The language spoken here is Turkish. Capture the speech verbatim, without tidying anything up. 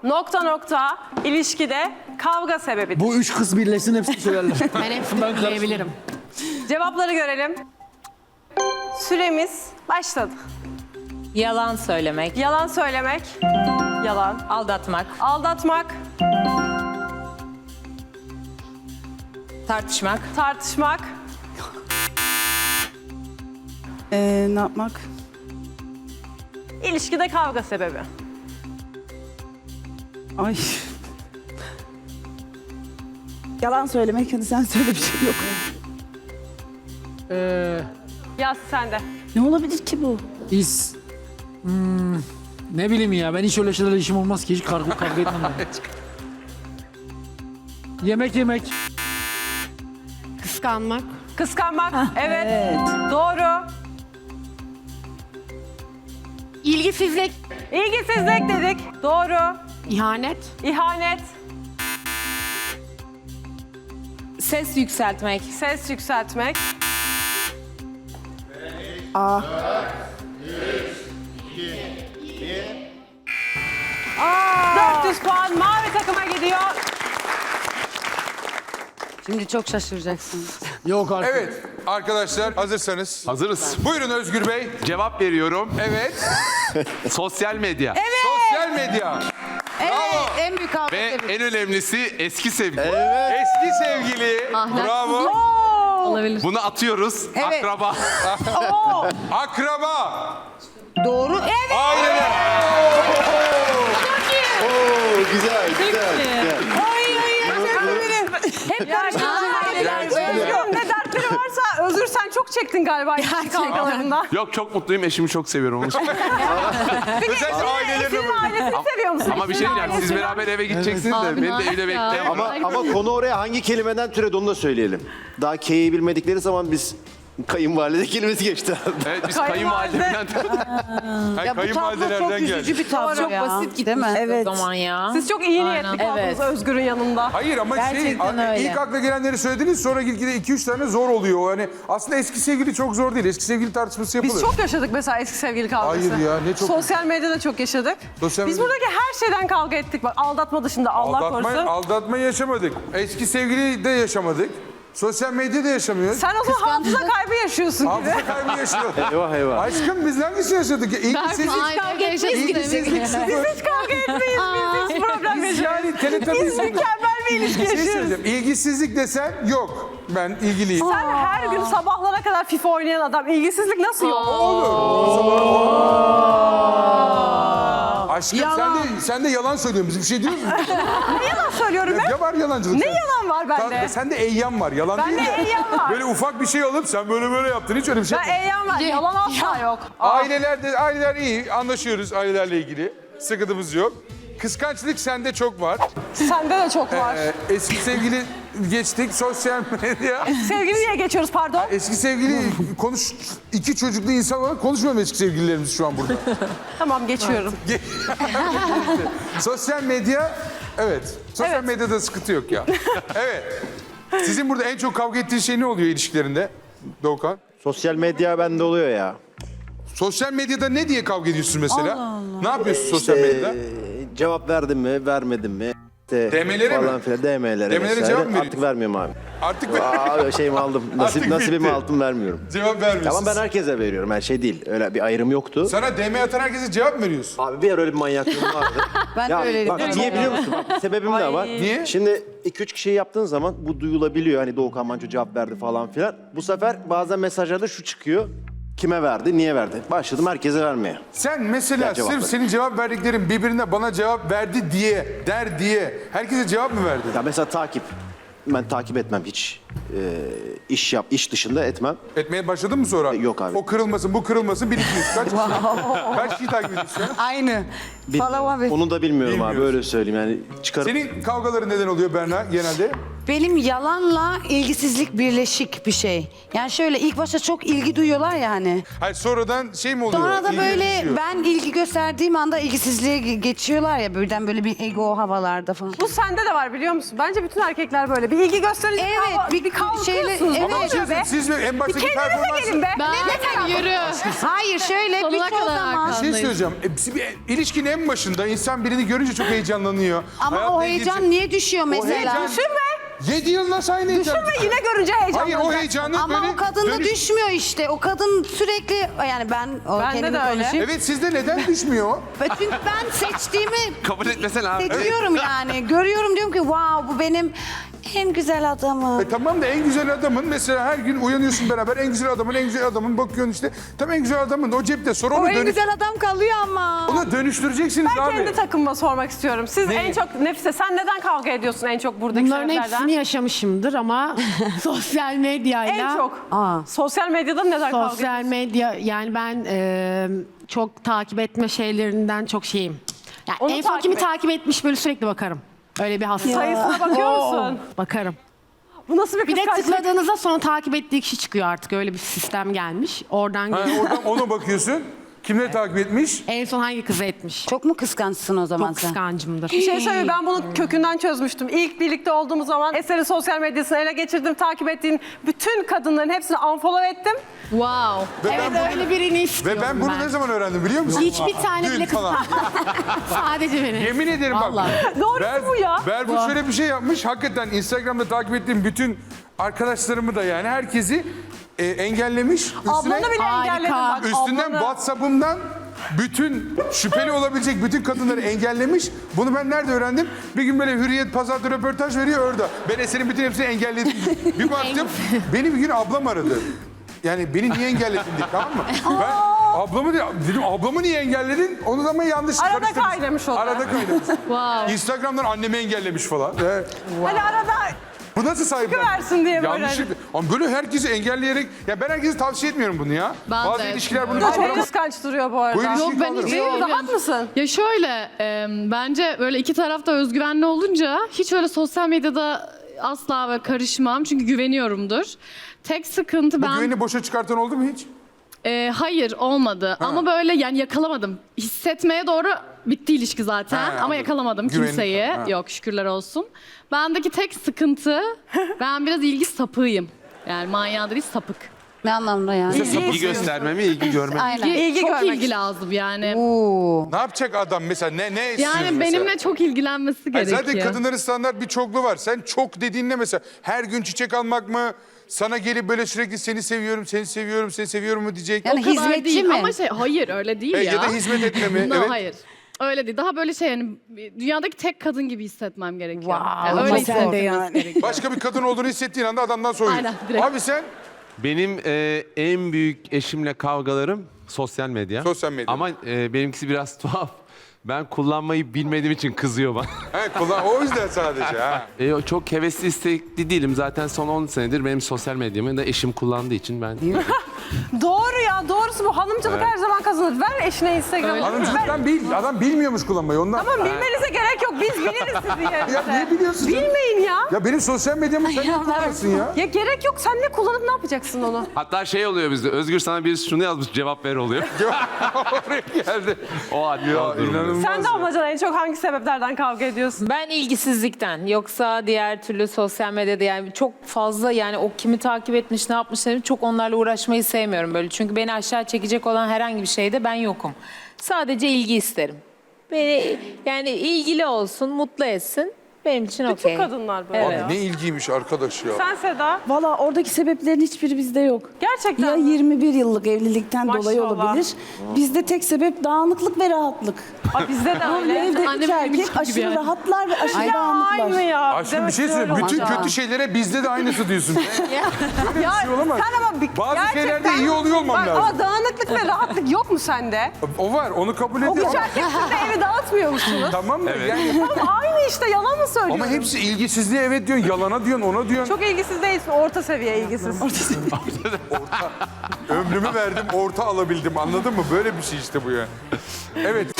nokta nokta ilişkide kavga sebebidir. Bu üç kız birleşsin hepsini söylerler. Ben hepsini bilebilirim. Cevapları görelim. Süremiz başladı. Yalan söylemek, Yalan söylemek, yalan. aldatmak, Aldatmak, tartışmak, tartışmak, Ee, ne yapmak? ilişkide kavga sebebi. Ay. Yalan söylemek, hadi sen söyle, bir şey yok. Ee, Yaz sen de. Ne olabilir ki bu? biz... Hmm, ne bileyim ya, ben hiç öyle şeylerle işim olmaz ki. Hiç kavga, kavga etmem ben. Yemek yemek. Kıskanmak. Kıskanmak, evet. Evet. Doğru. İlgisizlik. İlgisizlik dedik. Doğru. İhanet. İhanet, ses yükseltmek, ses yükseltmek. Aa. dört yüz puan mavi takıma gidiyor. Şimdi çok şaşıracaksınız. Yok artık. Evet arkadaşlar hazırsanız. Hazırız. Buyurun Özgür Bey. Cevap veriyorum. Evet. Sosyal medya. Sosyal medya. Bravo. En büyük kavga Ve sebebi. en önemlisi eski sevgili. Eski sevgili. Bravo. olabilir. Bunu atıyoruz. Evet. Akraba. Akraba. Doğru. Evet. Aileler. Güzel, güzel, güzel. Hep Özgür ne dertleri varsa Özgür sen çok çektin galiba ilişki kavgalarında. Yok çok mutluyum. Eşimi çok seviyorum. Onun için. Özellikle ailelerine Senin böyle. ailesini seviyor musun? Ama bir şey Senin diyeceğim. Siz ailesini. beraber eve gideceksiniz de. Beni de evde bekleyin. Ama ama konu oraya hangi kelimeden türedi onu da söyleyelim. Daha K'yi bilmedikleri zaman biz kayınvalide kelimesi geçti. Evet biz Kayınvalide. kayınvalidemden... Hayır, Ya bu tablo çok kayınvalidelerden üzücü geldi. bir tablo Çok ya. basit Değil mi? gitmiş Evet. o zaman ya. Siz çok iyi niyetli Aynen. kaldınız Evet. Özgür'ün yanında. Hayır ama şey Gerçekten a- öyle. ilk akla gelenleri söylediniz sonra gitgide iki üç tane zor oluyor. Yani aslında eski sevgili çok zor değil. Eski sevgili tartışması yapılır. Biz çok yaşadık mesela eski sevgili kavgası. Hayır ya, ne çok- Sosyal medyada çok yaşadık. Sosyal Biz medya- buradaki her şeyden kavga ettik. Bak aldatma dışında Allah aldatma, korusun. aldatma yaşamadık. Eski sevgili de yaşamadık. Sosyal medyada yaşamıyoruz. Sen o zaman hafıza kaybı yaşıyorsun gibi. Hafıza kaybı yaşıyoruz. Eyvah eyvah. Aşkım biz hangisini yaşadık? ya? İlgisizlik, Aynı kavga evde etmeyiz. ilgisizlik Biz sıfır. hiç kavga etmeyiz. Biz hiç problem Biz yaşıyoruz. yani teletabi Biz mükemmel bir ilişki Bir şey yaşıyoruz. söyleyeceğim. İlgisizlik desen yok. Ben ilgiliyim. Sen her gün sabahlara kadar FIFA oynayan adam. İlgisizlik nasıl yok? Aşkım sen de, sen de yalan söylüyorsun. Biz bir şey diyoruz mu? Ne yalan söylüyorum ben? Ya var yalancılık. Ne sen. yalan var bende? Sen, sen de eyyam var. Yalan Bende değil de. eyyam var. Böyle ufak bir şey alıp sen böyle böyle yaptın. Hiç öyle bir şey Ben yapmadın. eyyam var. Yalan asla yok. Aileler de, aileler iyi. Anlaşıyoruz ailelerle ilgili. Sıkıntımız yok. Kıskançlık sende çok var. Sende de çok var. Ee, eski sevgili geçtik. Sosyal medya. Sevgili niye geçiyoruz pardon? Eski sevgili konuş... iki çocuklu insan olarak konuşmuyorum eski sevgililerimiz şu an burada. Tamam geçiyorum. Sosyal medya... Evet. Sosyal Evet. medyada sıkıntı yok ya. Evet. Sizin burada en çok kavga ettiğiniz şey ne oluyor ilişkilerinde Doğukan? Sosyal medya bende oluyor ya. Sosyal medyada ne diye kavga ediyorsun mesela? Ne yapıyorsun sosyal medyada? Ee, cevap verdim mi, vermedim mi? İşte D M'lere mi? falan filan, D M'lere D M'lere vesaire. cevap mı veriyorsun? Artık vermiyorum abi. Artık Aa, şeyimi aldım. Nasip, Artık nasibimi bitti. aldım, vermiyorum. cevap vermiyorsun. Tamam ben herkese veriyorum. Her şey değil. Öyle bir ayrım yoktu. Sana D M atan herkese cevap mı veriyorsun? Abi bir ara öyle bir manyaklığım vardı. Ben de ya, öyleydim. bak, niye biliyor musun? Bak, sebebim de var. Niye? Şimdi iki üç kişiyi yaptığın zaman bu duyulabiliyor. Hani Doğukan Manço cevap verdi falan filan. Bu sefer bazen mesajlarda şu çıkıyor. Kime verdi, niye verdi? Başladım herkese vermeye. Sen mesela Ya cevap sırf ver. senin cevap verdiklerin birbirine bana cevap verdi diye, der diye herkese cevap mı verdin? Ya mesela takip. Ben takip etmem hiç. Ee, iş yap, iş dışında etmem. Etmeye başladın mı sonra? Yok abi. O kırılmasın, bu kırılmasın. Bir, iki, üç. Kaç kişi? Kaç kişiyi takip ediyorsun? Aynı. Bil- Follow abi. Onu da bilmiyorum abi, Bilmiyorsun. öyle söyleyeyim yani. Çıkarıp... Senin kavgaların neden oluyor Berna genelde? Benim yalanla ilgisizlik birleşik bir şey. Yani şöyle ilk başta çok ilgi duyuyorlar ya hani. Hayır sonradan şey mi oluyor? Sonra da İlgi böyle düşüyor. ben ilgi gösterdiğim anda ilgisizliğe ge- geçiyorlar ya birden böyle bir ego havalarda falan. Bu sende de var biliyor musun? Bence bütün erkekler böyle. Bir ilgi gösterince Evet, kavga- bir bir Bir kalkıyorsunuz. şeyle Ne Ama bir oluyor şey be? söyleyeyim, siz en Bir baştaki kendinize performansı... gelin be. Ben yürü. Hayır şöyle Sonuna birçoğu kadar zaman. Bir şey söyleyeceğim. E, bir ilişkinin en başında insan birini görünce çok heyecanlanıyor. Ama Hayatla o ilgili heyecan çok- niye düşüyor mesela? heyecan- Düşünme. Yedi yıl nasıl aynı heyecan? Düşünme yine görünce heyecanlanacak. Hayır o heyecanı Ama böyle... o kadın da dönüş- düşmüyor işte. O kadın sürekli yani ben o Bende kendimi de öyle. konuşayım. Evet sizde neden düşmüyor? Ve Çünkü ben seçtiğimi Kabul etmesene abi. seçiyorum yani. Görüyorum diyorum ki wow bu benim en güzel adamım. E tamam da en güzel adamın mesela her gün uyanıyorsun beraber en güzel adamın en güzel adamın bakıyorsun işte. Tam en güzel adamın o cepte sonra O onu en dönüş... güzel adam kalıyor ama. Onu dönüştüreceksiniz Ben abi. kendi takımıma sormak istiyorum. Siz Ne? en çok Nefise sen neden kavga ediyorsun en çok buradaki Bunların sebeplerden? hepsini yaşamışımdır ama sosyal medyayla... En çok. Aa. Sosyal medyada neden kavga ediyorsun? Sosyal medya yani ben e, çok takip etme şeylerinden çok şeyim. Yani Onu en son takip kimi et. takip etmiş böyle sürekli bakarım. Öyle bir hasta. Sayısına bakıyor musun? Bakarım. Bu nasıl bir Bir de kıskançlık? tıkladığınızda sonra takip ettiği kişi çıkıyor artık. Öyle bir sistem gelmiş. Oradan Ha, geliyor. oradan ona bakıyorsun. Kimleri takip etmiş? En son hangi kızı etmiş? Çok mu kıskançsın o zaman Çok sen? kıskancımdır. Bir şey söyleyeyim ben bunu kökünden çözmüştüm. İlk birlikte olduğumuz zaman Eser'in sosyal medyasını ele geçirdim. Takip ettiğim bütün kadınların hepsini unfollow ettim. Wow. Ve Evet ben öyle birini Ve istiyorum ben bunu ne zaman öğrendim biliyor musun? Hiçbir tane Dün bile kız falan. Sadece beni. Yemin ederim bak. Vallahi. Doğrusu bu ya. Berfu şöyle bir şey yapmış. Hakikaten Instagram'da takip ettiğim bütün arkadaşlarımı da yani herkesi e, engellemiş. Üstüne, Ablanı bile Harika. engelledim bak. üstünden ablanı. WhatsApp'ımdan bütün şüpheli olabilecek bütün kadınları engellemiş. Bunu ben nerede öğrendim? Bir gün böyle Hürriyet Pazar'da röportaj veriyor orada. Ben Eser'in bütün hepsini engelledim. Bir baktım beni bir gün ablam aradı. Yani beni niye engelledin diye tamam mı? Ben ablamı diye- dedim ablamı niye engelledin? Onu da ama yanlış Arada karıştırmış. kaynamış o da. Arada kaynamış. Instagram'dan annemi engellemiş falan. Ee, Hani arada bu nasıl sahipler? Çıkıversin diye böyle. Yanlışlıkla. Ama böyle herkesi engelleyerek... Ya ben herkese tavsiye etmiyorum bunu ya. Ben Bazı de ilişkiler bunu bu da çok kaldırır. kıskanç duruyor bu arada. Bu ilişkiyi Yok, ben kaldırır. hiç- Değil mi? Rahat mısın? Ya şöyle, e, bence böyle iki tarafta özgüvenli olunca hiç öyle sosyal medyada asla ve karışmam. Çünkü güveniyorumdur. Tek sıkıntı Bu ben... güveni boşa çıkartan oldu mu hiç? E, hayır, olmadı. Ama böyle yani yakalamadım. Hissetmeye doğru bitti ilişki zaten. Ha, Ama anladım. yakalamadım Güveni- kimseyi. ha. Yok, şükürler olsun. Bendeki tek sıkıntı, ben biraz ilgi sapığıyım. Yani manyağı değil, sapık. Ne anlamda yani? İlgi gösterme mi, ilgi görme mi? Aynen. İlgi, İlgi çok görmek ilgi lazım yani. Oo. Ne yapacak adam mesela? Ne ne istiyor Yani mesela? benimle çok ilgilenmesi Hayır, gerekiyor. zaten kadınların standart bir çoklu var. Sen çok dediğinde mesela her gün çiçek almak mı? Sana gelip böyle sürekli seni seviyorum, seni seviyorum, seni seviyorum mu diyecek. Yani O kadar hizmetçi değil. mi? Ama şey hayır öyle değil E, ya. ya da hizmet etme mi? No, Evet. hayır. Öyle değil. Daha böyle şey yani dünyadaki tek kadın gibi hissetmem gerekiyor. Wow, Yani ama öyle sen de hissetmesi yani. gerekiyor. Başka bir kadın olduğunu hissettiğin anda adamdan soyuyorsun. Aynen, direkt. Abi sen Benim e, en büyük eşimle kavgalarım sosyal medya. Sosyal medya. Ama e, benimkisi biraz tuhaf. Ben kullanmayı bilmediğim için kızıyor bana. he, kullan, o yüzden sadece ha. E, çok hevesli, istekli değilim. Zaten son on senedir benim sosyal medyamı da eşim kullandığı için ben... Doğru ya doğrusu bu. Hanımcılık her zaman kazanır. Ver eşine Instagram'ı. Ver. Hanımcılıktan bil, adam bilmiyormuş kullanmayı ondan. Tamam bilmenize gerek yok. Biz biliriz sizin yerinize. Ya niye biliyorsun? Bilmeyin ya. Ya benim sosyal medyamı sen ne kullanırsın ya? Ya gerek yok. Sen ne kullanıp ne yapacaksın onu? Hatta şey oluyor bizde, Özgür sana birisi şunu yazmış, cevap ver oluyor. Oraya geldi. O hatta Ya o durumda. inanılmaz. Sen de amacana en çok hangi sebeplerden kavga ediyorsun? Ben ilgisizlikten yoksa diğer türlü sosyal medyada yani çok fazla yani o kimi takip etmiş ne yapmış çok onlarla uğraşmayı sevmiyorum böyle. Çünkü beni aşağı çekecek olan herhangi bir şeyde ben yokum. Sadece ilgi isterim. Beni yani ilgili olsun, mutlu etsin. Benim için Bütün okey. kadınlar böyle Evet. ya. Ne ilgiymiş arkadaş ya. Sen Seda? Valla oradaki sebeplerin hiçbiri bizde yok. Gerçekten Ya mi? yirmi bir yıllık evlilikten dolayı Maşallah. olabilir. Bizde tek sebep dağınıklık ve rahatlık. Aa, bizde de Böyle öyle. evde Annem üç benim erkek gibi aşırı yani. rahatlar ve aşırı Ya dağınıklar. aynı ya. Aşkım bir şey söyleyeyim. Bütün Maşallah. kötü şeylere bizde de aynısı diyorsun. Ya şey olamaz. sen ama bir, Bazı gerçekten- şeylerde iyi oluyor olmam Bak, lazım. Ama dağınıklık ve rahatlık yok mu sende? O var onu kabul O ediyorum. üç erkek siz de evi dağıtmıyor musunuz? Tamam mı? Yani, Tamam aynı işte yalan mı söylüyorsun? ama hepsi ilgisizliğe evet diyorsun, yalana diyorsun, ona diyorsun. Çok ilgisiz değilsin, orta seviye ilgisiz. Ömrümü verdim, orta alabildim. Anladın mı? Böyle bir şey işte bu ya. Evet,